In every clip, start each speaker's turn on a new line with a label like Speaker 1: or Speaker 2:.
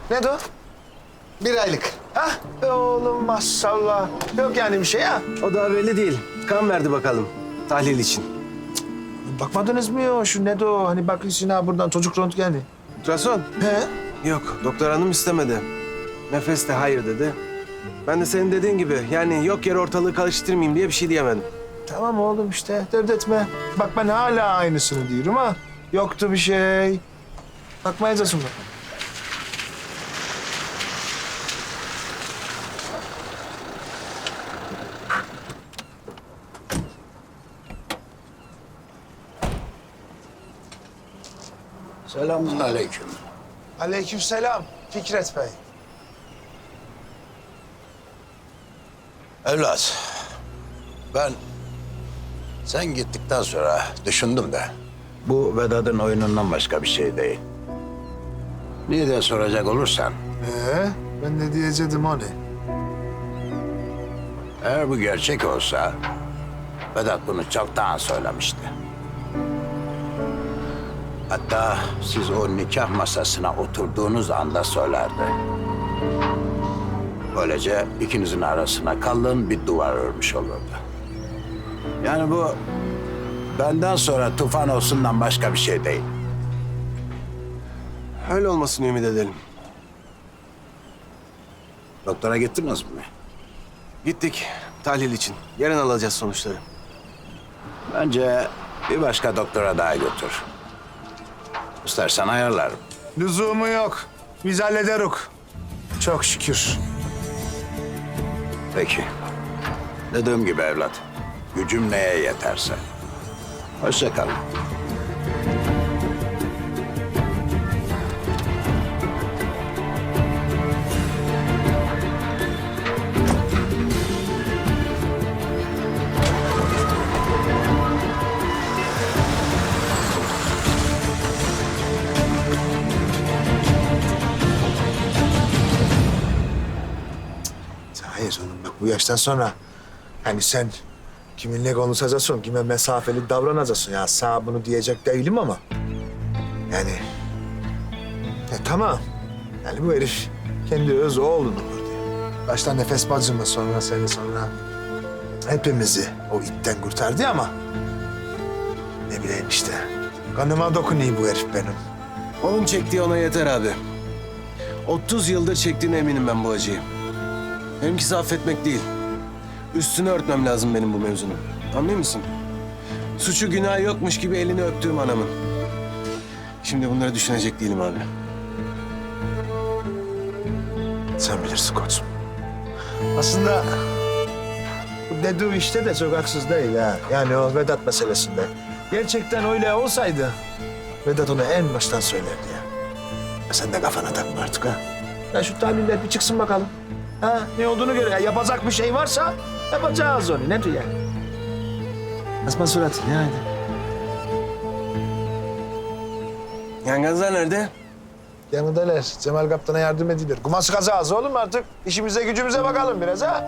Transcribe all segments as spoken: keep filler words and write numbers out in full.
Speaker 1: Ne de o? Bir aylık. Ha? E oğlum maşallah. Yok yani bir şey ha.
Speaker 2: O daha belli değil. Kan verdi bakalım. Tahlil için.
Speaker 1: Bakmadınız mı ya şu ne de o? Hani bakıyorsun ha buradan çocuk röntgeni.
Speaker 2: Ultrason?
Speaker 1: He?
Speaker 2: Yok. Doktor hanım istemedi. Nefes de hayır dedi. Ben de senin dediğin gibi yani yok yere ortalığı karıştırmayayım diye bir şey diyemedim.
Speaker 1: Tamam oğlum işte dert etme. Bak ben hala aynısını diyorum ha. Yoktu bir şey. Bakmayacağız mı?
Speaker 3: Selamun aleyküm.
Speaker 1: Aleykümselam Fikret Bey.
Speaker 3: Evlat, ben sen gittikten sonra düşündüm de bu Vedat'ın oyunundan başka bir şey değil. Niye diye soracak olursan,
Speaker 1: Ee, ben ne diyecektim o ne?
Speaker 3: eğer bu gerçek olsa Vedat bunu çoktan söylemişti. Hatta siz o nikah masasına oturduğunuz anda söylerdi. Böylece ikinizin arasına kalın bir duvar örmüş olurdu. Yani bu benden sonra tufan olsundan başka bir şey değil.
Speaker 2: Öyle olmasını ümit edelim.
Speaker 3: Doktora gittiniz mi?
Speaker 2: Gittik tahlil için. Yarın alacağız sonuçları.
Speaker 3: Bence bir başka doktora daha götür. İstersen ayarlarım.
Speaker 1: Lüzumu yok. Biz hallederiz. Çok şükür.
Speaker 3: Peki. Dediğim gibi evlat, gücüm neye yeterse. Hoşça kalın.
Speaker 1: Hayır oğlum bak bu yaştan sonra hani sen kiminle konuşacaksın, kime mesafeli davranacaksın. Ya sağ bunu diyecek değilim ama yani e, tamam. Yani bu herif kendi öz oğlunu vurdu. Başta Nefes bacımı sonra seni sonra hepimizi o itten kurtardı ama ne bileyim işte kanıma dokunuyor bu herif benim.
Speaker 2: Onun çektiği ona yeter abi. otuz yıldır çektiğine eminim ben bu acıyı. Benimkisi affetmek değil. Üstünü örtmem lazım benim bu mevzunun. Anlıyor musun? Suçu günahı yokmuş gibi elini öptüğüm anamın. Şimdi bunları düşünecek değilim abi.
Speaker 1: Sen bilirsin koçum. Aslında bu dediği işte de çok haksız değil ha. Yani o Vedat meselesinde. Gerçekten öyle olsaydı Vedat onu en baştan söylerdi ya. ya sen de kafana takma artık ha. Ya şu tahliller bir çıksın bakalım. Ha ne olduğunu göre ya yapacak bir şey varsa yapacağız onu. Ne diyor ya? Asma suratını ya hadi.
Speaker 2: Yangazlar nerede?
Speaker 1: Yanındalar. Cemal Kaptan'a yardım edilir. Kuma sıkacağız oğlum artık. İşimize gücümüze bakalım biraz ha.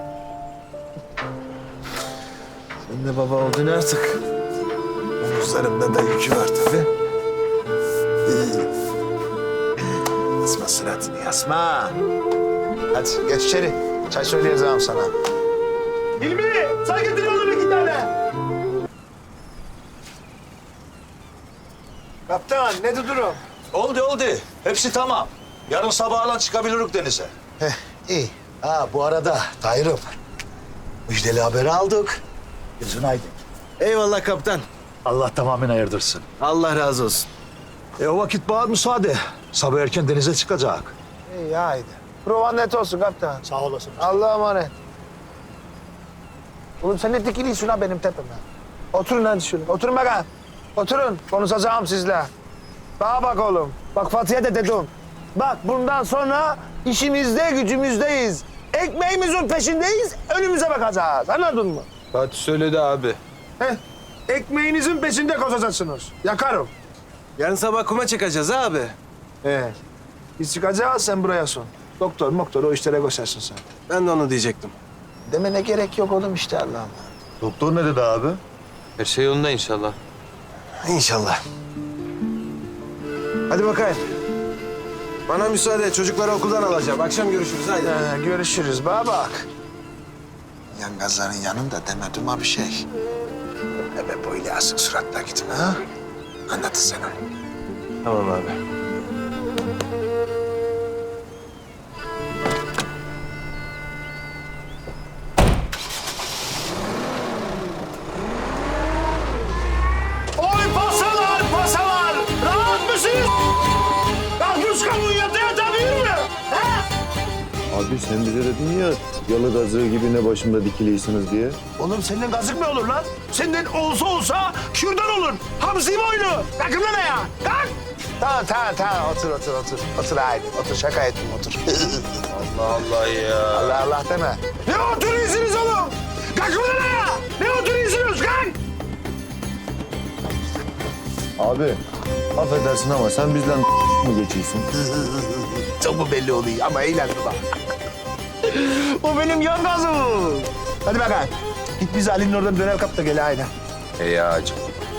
Speaker 1: Sen de baba oldun artık. Omuzlarımda da yükü var tabii. Ee, Asma suratını yasma. Hadi geç içeri. Çay söyleyeceğim sana. Hilmi, sen getir oğlum iki tane. Kaptan, ne durum?
Speaker 4: Oldu oldu. Hepsi tamam. Yarın sabahla çıkabiliriz denize.
Speaker 1: Heh, iyi.
Speaker 4: Ha bu arada Tahir'im. Müjdeli haberi aldık. Gözün aydın.
Speaker 2: Eyvallah kaptan.
Speaker 4: Allah tamamen ayırdırsın.
Speaker 2: Allah razı olsun.
Speaker 4: E o vakit bana müsaade. Sabah erken denize çıkacak.
Speaker 1: İyi, haydi. Provan net olsun kaptan.
Speaker 4: Sağ olasın.
Speaker 1: Allah'a emanet. Oğlum sen ne dikiliyorsun ha benim tepeme? Oturun hadi şöyle. Oturun bakalım. Oturun. Konuşacağım sizle. Bana bak oğlum. Bak Fatih'e de dedim. Bak bundan sonra işimizde gücümüzdeyiz. Ekmeğimizin peşindeyiz. Önümüze bakacağız. Anladın mı?
Speaker 2: Fatih söyledi abi.
Speaker 1: Heh. Ekmeğinizin peşinde koşacaksınız. Yakarım.
Speaker 2: Yarın sabah kuma çıkacağız abi.
Speaker 1: Evet. Biz çıkacağız sen buraya son. Doktor moktor o işlere koşarsın sen.
Speaker 2: Ben de onu diyecektim.
Speaker 1: Demene gerek yok oğlum işte Allah'ım.
Speaker 4: Doktor ne dedi abi?
Speaker 5: Her şey yolunda inşallah.
Speaker 2: İnşallah.
Speaker 1: Hadi bakayım.
Speaker 2: Bana müsaade. Çocukları okuldan alacağım. Akşam görüşürüz. Haydi.
Speaker 1: Ee, görüşürüz bana bak. Yangazların yanında demedim ha bir şey. Ebe böyle asık suratla gitme ha. Anlatın sen onu.
Speaker 2: Tamam abi.
Speaker 1: Oy pasalar pasalar! Rahat mısınız? Kalkmış kavuğun yata yata büyür mü? Ha?
Speaker 6: Abi sen bize dedin ya yalı gazığı gibi ne başımda dikiliysiniz diye.
Speaker 1: Oğlum senden gazık mı olur lan? Senden olsa olsa kürdan olur. Hamsi boylu. Kalkın lan ya. Kalk. Tamam tamam tamam otur otur otur. Otur haydi otur şaka ettim otur.
Speaker 5: Allah Allah ya.
Speaker 1: Allah Allah deme. Ne oturuyorsunuz oğlum? Kalkın lan ya. Ne oturuyorsunuz? Kalk.
Speaker 6: Abi affedersin ama sen bizden mı geçiyorsun?
Speaker 1: Çok mu belli oluyor ama eğlendim bak. O benim yan gazım. Hadi bakalım. Git biz Ali'nin oradan döner kap da gel haydi.
Speaker 5: Hey ağacım.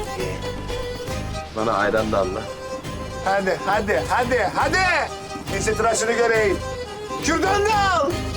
Speaker 5: Bana ayran da al lan.
Speaker 1: Hadi hadi hadi hadi. Neyse tıraşını göreyim. Kürdan da al.